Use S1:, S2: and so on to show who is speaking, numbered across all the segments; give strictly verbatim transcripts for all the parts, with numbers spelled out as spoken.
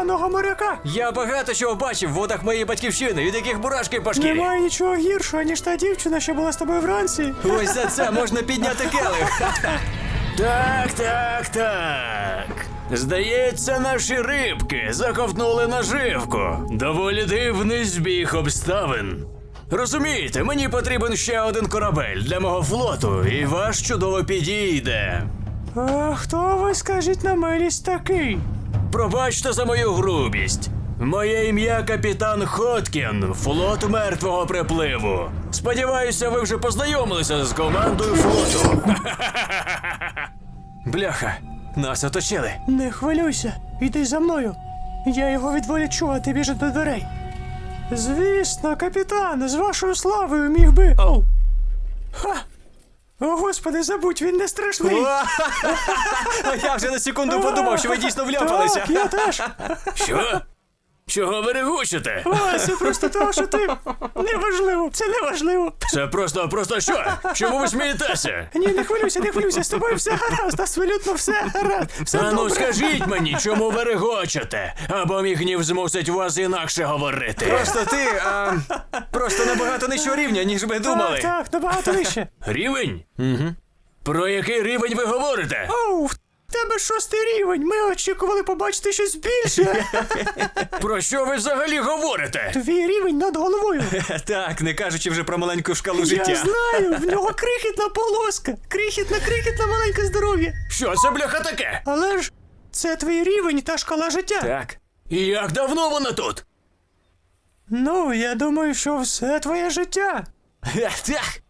S1: головного моряка.
S2: Я багато чого бачив в водах моєї батьківщини, від яких бурашки по шкірі.
S1: Немає нічого гіршого, ніж та дівчина, що була з тобою вранці.
S2: Ось за це можна підняти келих.
S3: Так, так, так. Здається, наші рибки заковтнули наживку. Доволі дивний збіг обставин. Розумієте, мені потрібен ще один корабель для мого флоту, і ваш чудово підійде.
S1: А хто ви, скажіть на милість, такий?
S3: Пробачте за мою грубість. Моє ім'я капітан Хоткін, флот мертвого припливу. Сподіваюся, ви вже познайомилися з командою флоту.
S2: Бляха, нас оточили.
S1: Не хвилюйся, іди за мною. Я його відволічу, а ти біжи до дверей. Звісно, капітан, з вашою славою міг би. Оу. Ха! О, господи, забудь, він не страшний.
S2: А я вже на секунду подумав, що ви дійсно вляпалися.
S1: Так, я теж.
S3: Що? Чого ви регочете?
S1: О, це просто того, що ти... Неважливо, це неважливо.
S3: Це просто, просто що? Чому ви смієтеся?
S1: Ні, не хвилюйся, не хвилюйся, з тобою все гаразд, абсолютно все гаразд. Все
S3: А ну
S1: добре.
S3: скажіть мені, чому ви регочете? Або мій гнів змусить вас інакше говорити.
S2: Просто ти, а, просто набагато нижчого рівня, ніж ми думали.
S1: Так, так, набагато вище.
S3: Рівень? Угу. Про який рівень ви говорите?
S1: Оу, в тебе шостий рівень, ми очікували побачити щось більше.
S3: Про що ви взагалі говорите?
S1: Твій рівень над головою.
S2: Так, не кажучи вже про маленьку шкалу
S1: Я
S2: життя.
S1: знаю, в нього крихітна полоска. Крихітна, крихітна маленьке здоров'я.
S3: Що це, бляха, таке?
S1: Але ж це твій рівень та шкала життя.
S2: Так.
S3: І як давно вона тут?
S1: Ну, я думаю, що все твоє життя.
S3: Так.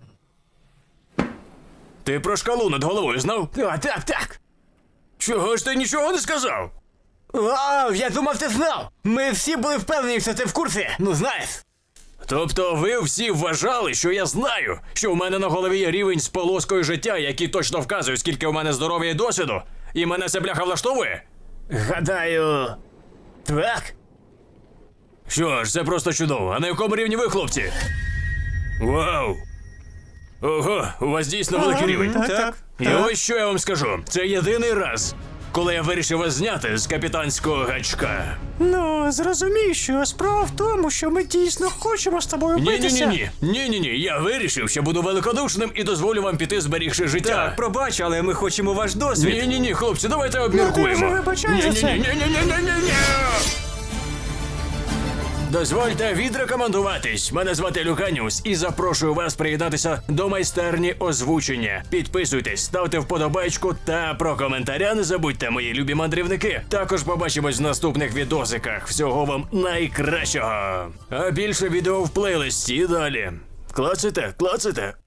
S3: Ти про шкалу над головою знав?
S2: О, так, так.
S3: Чого ж ти нічого не сказав?
S2: Вау, я думав, ти знав. Ми всі були впевнені, що ти в курсі. Ну, знаєш.
S3: Тобто ви всі вважали, що я знаю, що у мене на голові є рівень з полоскою життя, який точно вказує, скільки у мене здоров'я і досвіду, і мене це бляха влаштовує?
S2: Гадаю, так.
S3: Що ж, це просто чудово. А на якому рівні ви, хлопці? Вау! Ого, у вас дійсно великий
S1: Ага,
S3: рівень.
S1: Так, так.
S3: І ось що я вам скажу. Це єдиний раз, коли я вирішив вас зняти з капітанського гачка.
S1: Ну, зрозумій, що справа в тому, що ми дійсно хочемо з тобою битися.
S3: Ні-ні-ні, ні-ні-ні, я вирішив, що буду великодушним і дозволю вам піти, зберігши життя.
S2: Так, пробач, але ми хочемо ваш досвід.
S3: Ні-ні-ні, хлопці, давайте обміркуємо.
S1: вже вибачай за це.
S3: Ні-ні-ні-ні-ні-ні-ні-ні! Дозвольте відрекомендуватись. Мене звати Люканіус і запрошую вас приєднатися до майстерні озвучення. Підписуйтесь, ставте вподобайку та про коментаря не забудьте, мої любі мандрівники. Також побачимось в наступних відосиках. Всього вам найкращого. А більше відео в плейлисті далі. Клацайте, клацайте.